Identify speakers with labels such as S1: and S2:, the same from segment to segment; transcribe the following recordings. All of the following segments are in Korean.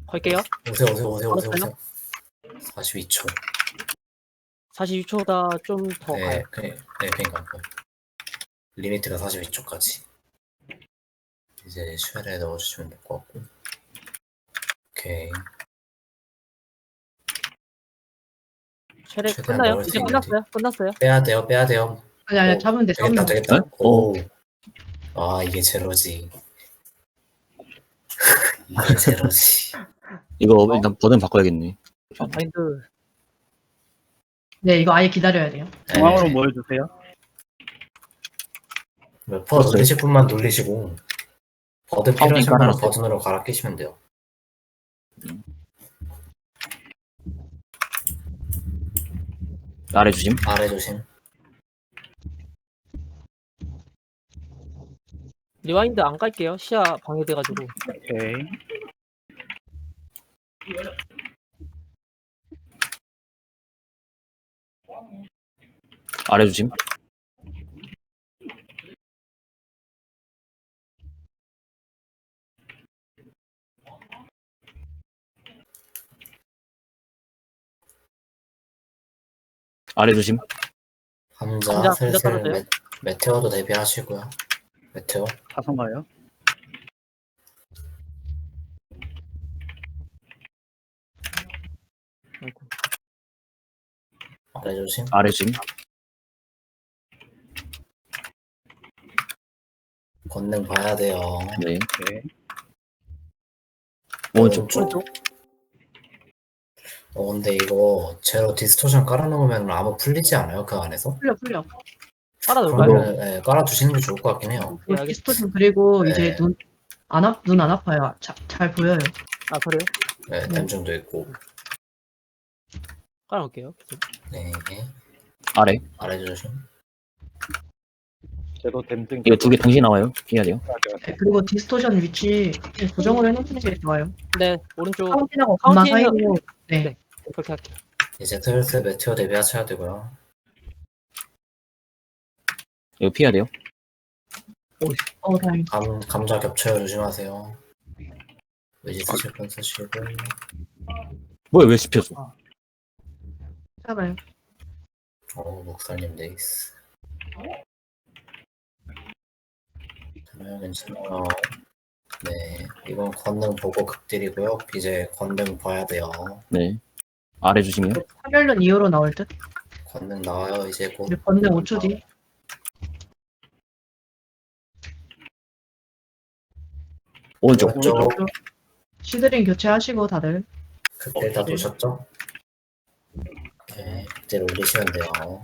S1: 걸게요.
S2: 오세요. 42초.
S1: 42초다 좀 더 가요.
S2: 그러니까 리미트가 42초까지. 이제 쉘에 넣어주시면 될 것 같고. 오케이.
S1: 쉘에
S2: 최대한
S1: 끝나요?
S2: 넣을 수
S1: 이제
S2: 있는지.
S1: 끝났어요.
S2: 빼야 돼요.
S3: 아니 잡으면 돼.
S2: 되겠다.
S4: 네?
S2: 오. 아, 이게 제로지. 이게 제로지.
S4: 이거 일단 버튼 바꿔야겠네.
S1: 바인드
S3: 네, 이거 아예 기다려야 돼요.
S5: 중앙으로 모여주세요.
S2: 몇% 돌리실 분만 돌리시고 버튼 필요하신 분은
S4: 깔아놨어요.
S2: 버튼으로 갈아 끼시면 돼요.
S4: 아래 주심.
S2: 아래 조심.
S1: 리와인드 안 깔게요. 시야 방해돼가지고.
S5: 오케이.
S4: 아래 주심. 아래 주심.
S2: 감자
S1: 감자
S2: 슬슬
S1: 떨어져요?
S2: 메테오도 대비하시고요. 메테오.
S5: 사선가요?
S1: 아이고.
S2: 아래 조심.
S4: 아래 주심.
S2: 권능 봐야 돼요.
S4: 네.
S5: 네.
S4: 오른쪽.
S2: 근데 이거 제로 디스토션 깔아놓으면 아무 풀리지 않아요? 그 안에서?
S3: 풀려.
S1: 깔아놓을까요?
S2: 그러면 깔아두시는 게 좋을 것 같긴 해요.
S1: 네, 알겠습니다.
S3: 디스토션 그리고
S2: 네.
S3: 이제 눈 안 아파요. 잘 보여요.
S1: 아 그래요?
S2: 네, 댐중도 있고.
S1: 깔아놓을게요.
S2: 네.
S4: 아래.
S2: 아래 조심.
S5: 제도 댐증.
S4: 이거 두 개 동시에 나와요. 해야 돼요.
S3: 네, 그리고 디스토션 위치 고정으로 해놓는 게 좋아요.
S1: 네 오른쪽
S3: 카운틴하고 금마
S1: 카운틴은-
S3: 사이로. 네.
S1: 네. 그렇게 할게요.
S2: 이제 슬슬 메테오 대비하셔야 되고요.
S4: 이거 피해야 돼요.
S3: 다행이다.
S2: 감자 겹쳐요. 조심하세요. 의지 쓰실 분 쓰시고.
S4: 뭐야 왜 씹혔어?
S3: 괜찮아요.
S2: 목살님 네이스. 괜찮아요. 네, 이건 권능 보고 극딜이고요. 이제 권능 봐야 돼요.
S4: 네. 아래 주심이요.
S3: 파멸론 이후로 나올 듯.
S2: 권능 나와요. 이제 곧.
S3: 우리 번능 5초 뒤.
S4: 오른쪽.
S2: 오른쪽
S3: 시드링 교체하시고 다들.
S2: 극딜 다 도셨죠? 네, 극딜 올리시면 돼요.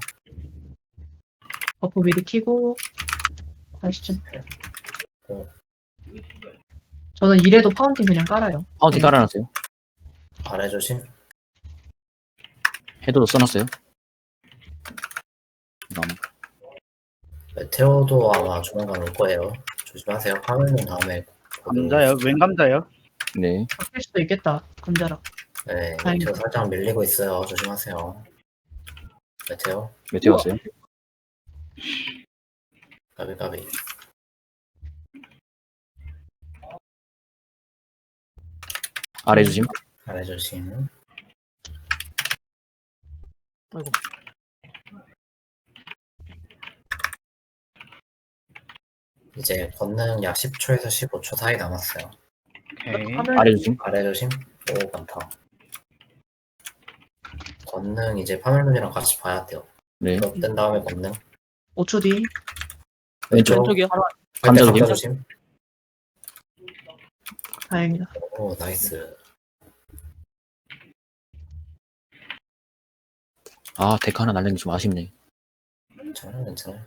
S3: 버프 미리 키고 다시 좀. 저는 이래도 파운틴 그냥 깔아요.
S4: 파운틴 깔아놨어요.
S2: 아래 조심.
S4: 헤드도 써놨어요.
S2: 메테오도 아마 조만간 올 거예요. 조심하세요. 파멸론 다음에.
S5: 감자요? 웬 감자요?
S4: 네.
S3: 바뀔 수도 있겠다. 감자랑.
S2: 네,
S3: 다행이다.
S2: 메테오 살짝 밀리고 있어요. 조심하세요. 메테오.
S4: 메테오 왔어요.
S2: 까비.
S4: 아래 주심.
S2: 아래 조심.
S1: 아이고.
S2: 이제 권능 약 10초에서 15초 사이 남았어요.
S5: 오케이.
S4: 아래 주심.
S2: 아래 조심. 오, 많다. 권능 이제 파멸론이랑 같이 봐야 돼요.
S4: 네.
S2: 이거 뜬 다음에 권능.
S3: 5초 뒤.
S4: 왼쪽.
S1: 왼쪽이요.
S4: 감자
S2: 감자
S4: 조심.
S2: 조심.
S3: 다행이다.
S2: 오, 나이스.
S4: 아 데크 하나 날린 게 좀 아쉽네.
S2: 괜찮아요.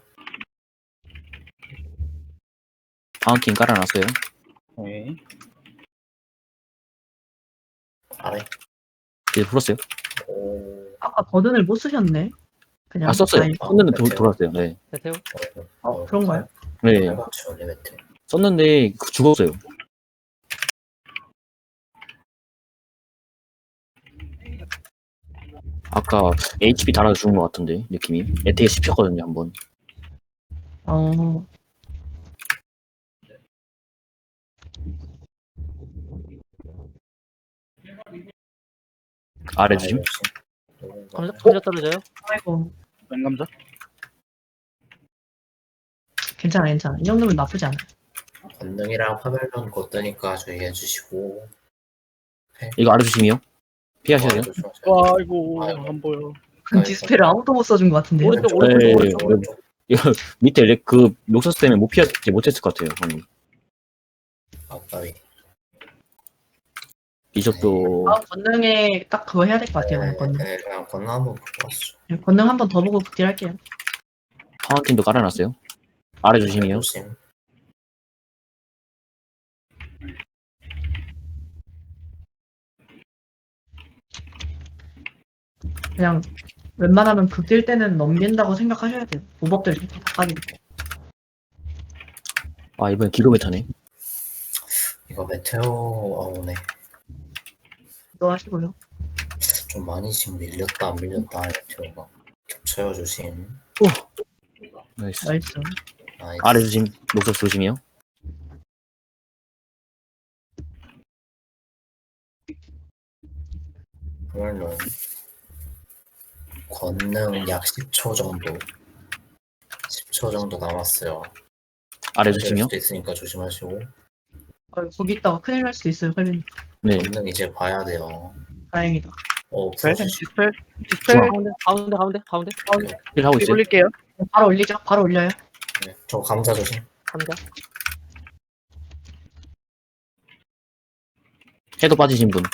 S4: 파운틴 깔아놨어요.
S5: 오케이.
S2: 아래.
S4: 이제 풀었어요.
S2: 오.
S3: 아까 버든을 못 쓰셨네. 그냥.
S4: 아 썼어요.
S3: 아니,
S4: 썼는데
S2: 메테오.
S4: 돌았어요. 네.
S1: 메테오.
S3: 그런가요?
S4: 네.
S2: 맞죠, 메테오.
S4: 썼는데 죽었어요. 아까 HP 달아서 죽은 것 같은데 느낌이. 에테에 씹혔거든요 한번.
S3: 어.
S4: 아래 주심.
S1: 감자 떨어져요.
S3: 아이고,
S5: 왼감자.
S3: 괜찮아, 괜찮아. 이 정도면 나쁘지 않아.
S2: 권능이랑 파벨론 곧 뜨니까 주의해 주시고.
S4: 이거 아래 주심이요. 피하셔야 돼요.
S5: 와, 아이고,
S2: 아이고.
S5: 안 보여.
S3: 디스펠을 아무도 못 써준 것 같은데.
S1: 오른쪽
S4: 네,
S1: 오른쪽 오른쪽.
S4: 네. 이거 밑에 그 녹서스 때문에 못했을 것 같아요. 방금.
S2: 아까비.
S4: 비숍도
S3: 다음 권능에 딱 그거 해야 될 것 같아요. 그냥 권능.
S2: 네, 그냥 권능 한번 보고 왔죠.
S3: 권능 한 번 더 보고 극딜할게요.
S4: 파운틴도 깔아놨어요. 아래 주심이요.
S2: 조심.
S3: 그냥 웬만하면 극딜 때는 넘긴다고 생각하셔야 돼요. 모법들 다 까지고.
S4: 아 이번엔 기로메타네.
S2: 이거 메테오 오네.
S3: 또 하시고요.
S2: 좀 많이 지금 밀렸다 안 밀렸다 메테오가. 겹쳐요 조심.
S4: 나이스.
S3: 나이스.
S2: 나이스.
S4: 아래 주심 녹서스 조심이요.
S2: 물론 권능 약 10초 정도. 10초 정도 남았어요.
S4: 아래
S2: 될
S4: 주심이요.
S2: 수도 있으니까 조심하시고.
S3: 거기 있다가 큰일 날 수도 있어요, 설빈.
S4: 네.
S2: 권능 이제 봐야 돼요.
S3: 다행이다.
S5: 디스펠,
S2: 풀어주시.
S5: 디스펠, 디스펠.
S1: 가운데.
S4: 힐 하고 있어요.
S5: 올릴게요.
S3: 바로 올리죠. 바로 올려요.
S2: 네, 저 감자 조심.
S1: 감자.
S4: 해도 빠지신 분.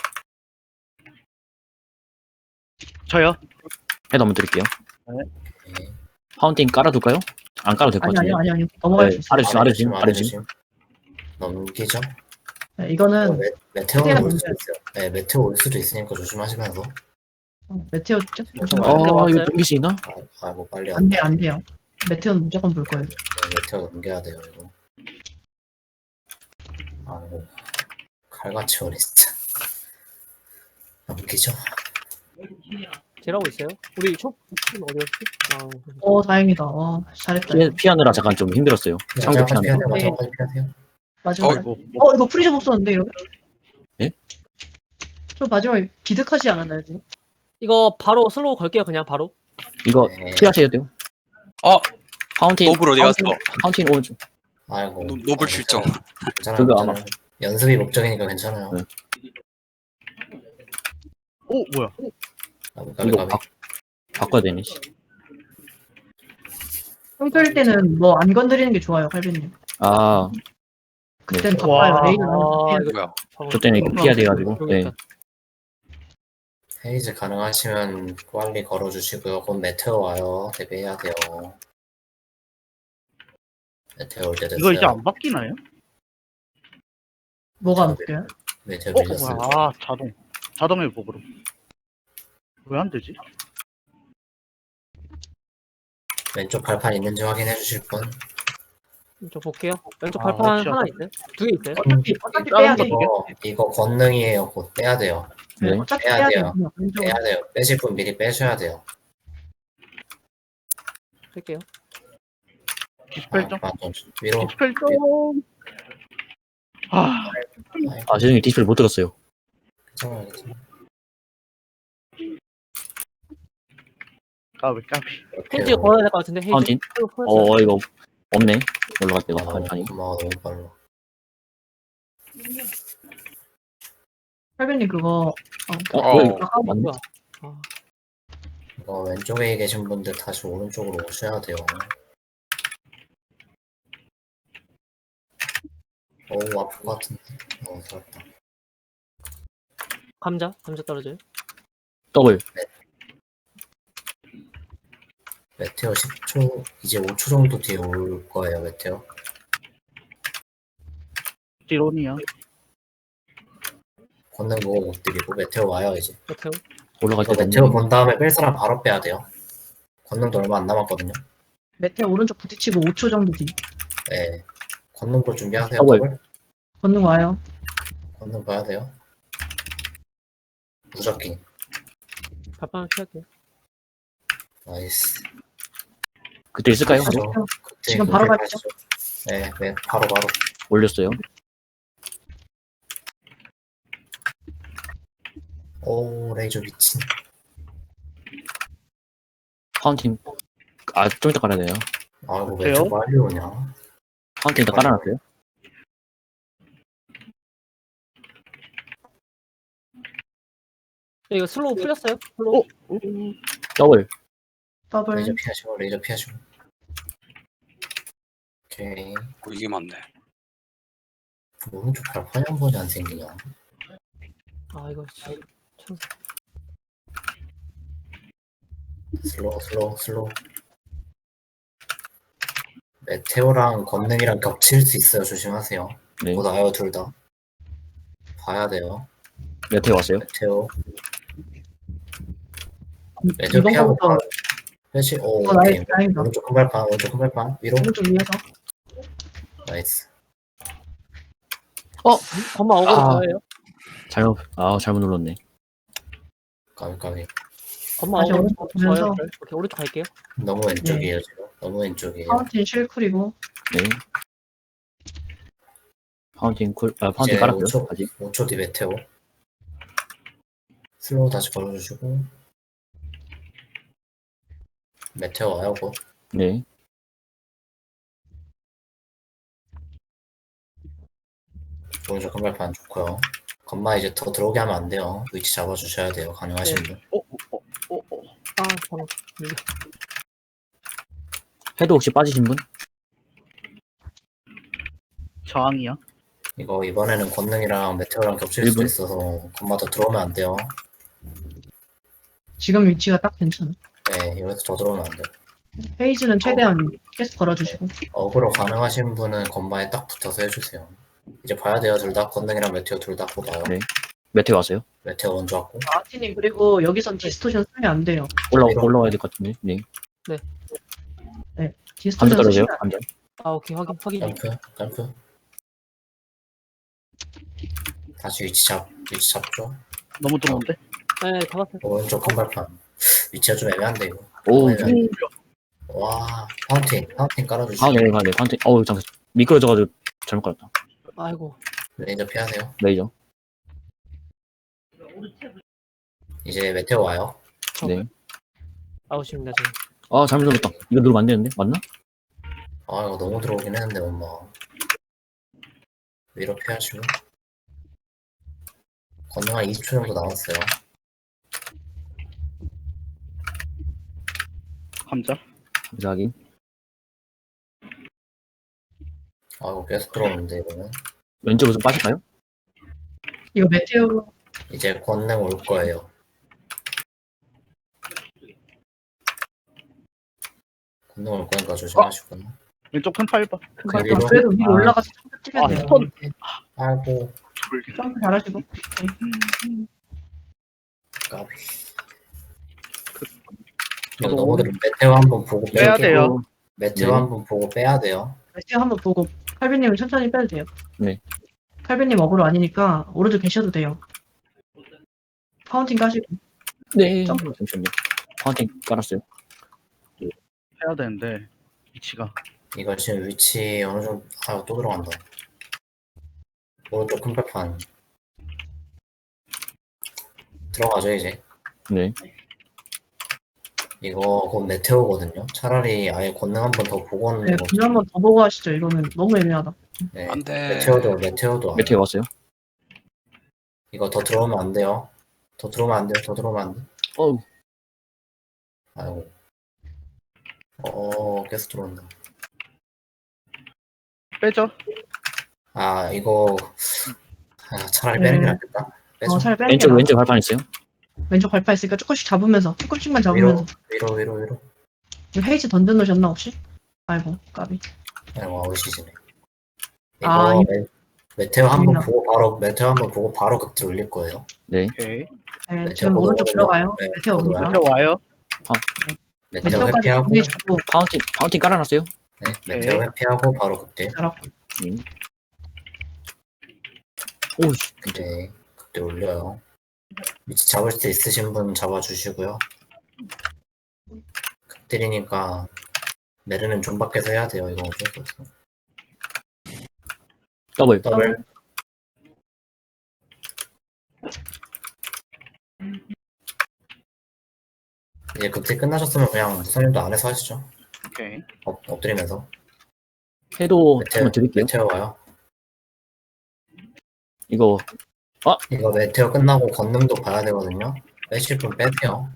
S5: 저요.
S4: 해도 한번 드릴게요.
S2: 네.
S4: 파운틴 깔아둘까요? 안 깔아도 될 것
S3: 아니,
S4: 같은데.
S3: 아니. 넘어갈
S4: 네,
S3: 수 있어요.
S4: 아래 주심, 아래 주심.
S2: 넘기죠.
S3: 네, 이거는
S2: 메테오는 올 수도 있어요. 네, 메테오 올 수도 있으니까 조심하시면서.
S3: 메테오 조금
S4: 어 이거 넘길 수 있나?
S2: 뭐 빨리
S3: 안 돼, 안 돼요. 메테오는 무조건 볼 거예요.
S2: 네, 메테오 넘겨야 돼요 이거. 아이고 칼같이 오네 진짜. 넘기죠.
S1: 제라고 있어요. 우리 숍 어디였지?
S3: 다행이다. 잘했다.
S4: 피하느라 잠깐 좀 힘들었어요. 상대
S2: 잠깐
S4: 피하느라.
S2: 피하세요.
S3: 네.
S2: 잠깐 피하세요.
S3: 마지막에.
S5: 아이고,
S3: 이거 프리즘 없었는데, 이러면?
S4: 예?
S3: 저 마지막에 비득하지 않았나요, 지금?
S1: 이거 바로 슬로우 걸게요. 그냥 바로.
S4: 이거
S2: 네.
S4: 피하셔야 돼요. 파운틴.
S6: 노블 어디 갔어?
S4: 파운틴 오른쪽.
S2: 아이고.
S6: 노블 출정.
S2: 괜찮아요.
S4: 그거
S2: 괜찮아요. 연습이 목적이니까 괜찮아요.
S4: 네.
S5: 오, 뭐야.
S2: 가비
S4: 이거
S2: 가비.
S4: 바꿔야 되네.
S3: 평소일 때는 뭐 안 건드리는 게 좋아요, 할배님.
S4: 아,
S3: 그땐
S5: 와.
S3: 바빠요. 레이는
S1: 아,
S3: 안
S1: 이거
S6: 뭐야?
S4: 저 때는 이거 피해야 돼가지고. 네.
S2: 헤이즈 가능하시면 빨리 걸어주시고요. 곧 메테오 와요. 대비해야 돼요. 메테오 올 때 됐어요.
S5: 이거 이제 안 바뀌나요?
S3: 뭐가 안 바뀌어요?
S2: 메테오
S5: 뭐야.
S2: 밀렸어요.
S5: 아, 자동 회복으로. 왜 안 되지?
S2: 왼쪽 발판 있는지 확인해 주실 분.
S1: 저 볼게요. 왼쪽
S5: 아,
S1: 발판
S5: 혹시
S1: 하나 있어요? 두 개 있어요?
S3: 어차피 빼야 돼.
S2: 이거 권능이에요. 곧 빼야 돼요.
S4: 네.
S3: 어차피
S2: 빼야
S3: 빼야
S2: 돼요.
S3: 돼요. 왼쪽.
S2: 빼야 돼요. 빼실 분 미리 빼셔야 돼요.
S1: 할게요.
S5: 디스펠 좀.
S2: 위로.
S5: 디스펠 좀. 아,
S4: 아 죄송해요. 디스플레이 못 들었어요.
S2: 괜찮아요. 괜찮아요.
S5: 까비.
S1: 헤이즈 걸어야 될 것 같은데. 헤이즈.
S4: 파운틴. 이거 없네. 올라갈 때가 발판이.
S2: 고마워 너무 빨라.
S3: 할배님 그거
S4: 뭐야, 이거.
S1: 아,
S4: 맞네.
S1: 뭐야?
S2: 이거 왼쪽에 계신 분들 다시 오른쪽으로 오셔야 돼요. 어우 아플 것 같은데. 살았다.
S1: 감자 떨어져요.
S4: 더블.
S2: 메테오 10초 이제 5초 정도 뒤에 올 거예요. 메테오.
S5: 지론이야.
S2: 권능 보고 못 드리고 메테오 와요 이제.
S1: 메테오.
S4: 올라갈
S2: 이거
S4: 때
S2: 메테오
S4: 됐네.
S2: 본 다음에 뺄 사람 바로 빼야 돼요. 권능도 얼마 안 남았거든요.
S3: 메테오 오른쪽 부딪히고 5초 정도 뒤.
S2: 네. 권능 볼 준비하세요.
S4: 더블.
S2: 더블.
S3: 건능 와요.
S2: 권능 봐야 돼요. 무적기.
S1: 발판 피할게요.
S2: 나이스.
S4: 그때 있을까요?
S2: 가죠.
S3: 메테오.
S2: 그때
S3: 지금 바로
S2: 그때
S3: 가시죠.
S2: 가시죠. 네, 바로.
S4: 올렸어요.
S2: 오, 레이저 미친.
S4: 파운틴. 아, 좀 이따 깔아야 돼요.
S2: 아, 이거 왜
S5: 어때요?
S2: 이렇게 빨리 오냐?
S4: 파운틴 일단 깔아놨어요.
S1: 이거 슬로우 풀렸어요? 슬로우.
S4: 더블.
S3: 더블.
S2: 레이저 피하시고, 레이저 피하시고. 오케이.
S6: 이게 맞네.
S2: 오른쪽 발판이 한 번이 안 생기냐?
S1: 아 이거 참.
S2: 슬로우. 메테오랑 권능이랑 겹칠 수 있어요. 조심하세요.
S4: 네.
S2: 못 와요, 둘 다. 봐야 돼요.
S4: 메테오 왔어요.
S2: 메테오 피하고
S3: 이번부터
S2: 바로 회시. 오,
S3: 나이
S2: 오케이.
S3: 다행이다.
S2: 오른쪽 큰 발판 위로.
S3: 오른쪽 위에서.
S2: 나이스.
S1: 건마 어그로
S4: 아.
S1: 저예요.
S4: 잘못 눌렀네.
S2: 까비.
S1: 건마
S3: 다시
S1: 어그로
S3: 오른쪽
S1: 저예요.
S3: 보면서.
S1: 오케이 오른쪽 갈게요.
S2: 너무 왼쪽이에요, 지금. 너무 왼쪽이에요.
S3: 파운틴 실쿨이고.
S4: 네. 파운틴 파운틴
S2: 이제
S4: 깔았어요.
S2: 5초,
S4: 아직.
S2: 5초 뒤 메테오. 슬로우 다시 걸어주시고. 메테오 와요, 곧.
S4: 네.
S2: 오른쪽 큰 발판 좋고요. 건마 이제 더 들어오게 하면 안 돼요. 위치 잡아주셔야 돼요. 가능하신
S1: 네.
S2: 분.
S1: 아 잠깐.
S4: 해도 혹시 빠지신 분?
S5: 저항이요.
S2: 이거 이번에는 권능이랑 메테오랑 겹칠 수도
S4: 1분?
S2: 있어서 건마 더 들어오면 안 돼요.
S3: 지금 위치가 딱 괜찮아.
S2: 네, 여기서 더 들어오면 안 돼요.
S3: 페이지는 최대한 계속 걸어주시고.
S2: 어그로 가능하신 분은 건마에 딱 붙어서 해주세요. 이제 봐야 돼요. 둘 다 권능이랑 메테오 둘 다 곧 와요.
S4: 네. 메테오 왔어요.
S2: 메테오 먼저 왔고.
S3: 아티님 그리고 여기선 디스토션 쓰면 안 돼요.
S4: 올라와야 될 것 같은데. 네.
S3: 네.
S4: 감자
S3: 디스토션
S4: 떨어져요.
S3: 쓰시면 안
S4: 감자.
S1: 아 오케이 확인.
S2: 점프. 다시 위치 잡죠.
S5: 너무 들어온데?
S1: 네 잡았어요.
S2: 오른쪽 큰 발판. 위치가 좀 애매한데 이거.
S4: 오.
S2: 애매한데. 와, 파운틴 깔아주시고.
S4: 아, 네. 파운틴. 잠깐. 미끄러져가지고 잘못 깔았다.
S1: 아이고.
S2: 레이저 피하세요.
S4: 레이저.
S2: 이제 메테오 와요.
S4: 네.
S1: 아웃입니다 지금.
S4: 아, 잘못 눌렀다. 이거 누르면 안 되는데? 맞나?
S2: 아, 이거 너무 들어오긴 했는데 엄마. 위로 피하시고. 건능 한 20초 정도 남았어요.
S5: 감자.
S4: 감자 확인.
S2: 아, 이거 계속 들어오는데 이거는.
S4: 왼쪽으로 좀 빠질까요?
S3: 이거 메테오
S2: 이제 권능 올 거예요. 권능 올 거니까 조심하시고.
S5: 왼쪽 큰 팔 봐.
S2: 위로.
S3: 그래도 위로
S2: 아.
S3: 올라가서 점프 뛰면 돼요.
S5: 스톤.
S2: 아이고,
S3: 점프 잘하시고.
S2: 까비.
S5: 저도
S2: 이거 너무 들어. 메테오 한번 보고
S5: 빼야
S2: 뺄게요.
S5: 돼요.
S2: 메테오
S4: 네.
S2: 한번 보고 빼야 돼요.
S3: 메테오 한번 보고 칼빈님은 천천히 빼도 돼요.
S4: 네.
S3: 칼빈님 어그로 아니니까 오른쪽 계셔도 돼요. 파운틴 까시고.
S4: 네.
S3: 점프.
S4: 잠시만요. 파운틴 깔았어요.
S5: 해야 되는데 위치가.
S2: 이거 지금 위치 어느 정도, 또 들어간다. 오른쪽 큰 발판. 들어가죠, 이제.
S4: 네.
S2: 이거 곧 메테오거든요. 차라리 아예 권능 한 번 더 보고 오는
S3: 네,
S2: 거.
S3: 그냥 한번 더 보고 하시죠. 이거는 너무 애매하다.
S2: 네.
S6: 안 돼.
S2: 메테오도 안
S4: 메테오 왔어요.
S2: 이거 더 들어오면 안 돼요. 더 들어오면 안 돼.
S4: 어우.
S2: 아이고. 계속 들어온다.
S5: 빼죠.
S2: 이거 차라리 빼는 게
S3: 네.
S2: 낫겠다. 빼죠.
S3: 잘 빼는 게
S4: 왼쪽
S3: 나아.
S4: 발판 있어요.
S3: 왼쪽 발파 있으니까 조금씩 잡으면서 조금씩만
S2: 위로,
S3: 잡으면서.
S2: 위로.
S3: 이거 헤이즈 던져놓으셨나 혹시? 아이고 까비.
S2: 아이고, 아웃이지네. 이거
S3: 아,
S2: 메테오 한번
S3: 재밌나?
S2: 보고 바로 극딜 올릴 거예요.
S4: 네.
S5: 오케이.
S3: 네, 지금 오른쪽 들어가요.
S2: 네,
S3: 메테오 옵니다.
S5: 메테오 와요.
S2: 메테오
S3: 메테오까지
S2: 회피하고,
S3: 준비해주고
S4: 파운틴 깔아놨어요.
S2: 네, 메테오 회피하고 바로 극딜.
S3: 잘하고.
S4: 오우씨.
S2: 이제 극딜 올려요. 위치 잡을 수 있으신 분 잡아주시고요. 극딜이니까 메르는 좀 밖에서 해야 돼요. 이거 어쩔 수 없어.
S4: 더블.
S2: 더블. 이제 극딜 끝나셨으면 그냥 무선님도 안에서 하시죠.
S5: 오케이.
S2: 엎드리면서.
S4: 해도
S2: 메테오,
S4: 한번 드릴게요.
S2: 메테오 와요.
S4: 이거
S2: 이거 메테오 끝나고 건능도 봐야 되거든요. 빼실 분 빼세요.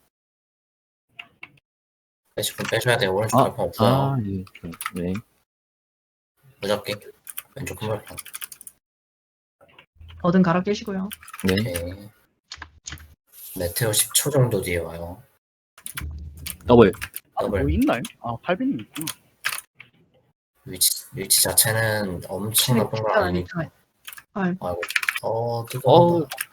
S2: 빼실 분 빼셔야 돼요. 오른쪽 발판 없어요.
S4: 네.
S2: 무적기. 왼쪽 큰 발판.
S3: 어든 갈아 깨시고요.
S4: 네.
S2: 오케이. 메테오 10초 정도 뒤에 와요.
S4: 더블.
S2: 더블.
S5: 뭐 있나요? 아, 800님 있구나.
S2: 위치 자체는 엄청 나쁜 건 아니고.
S3: 아이고.
S2: 아이고. 뜨거워.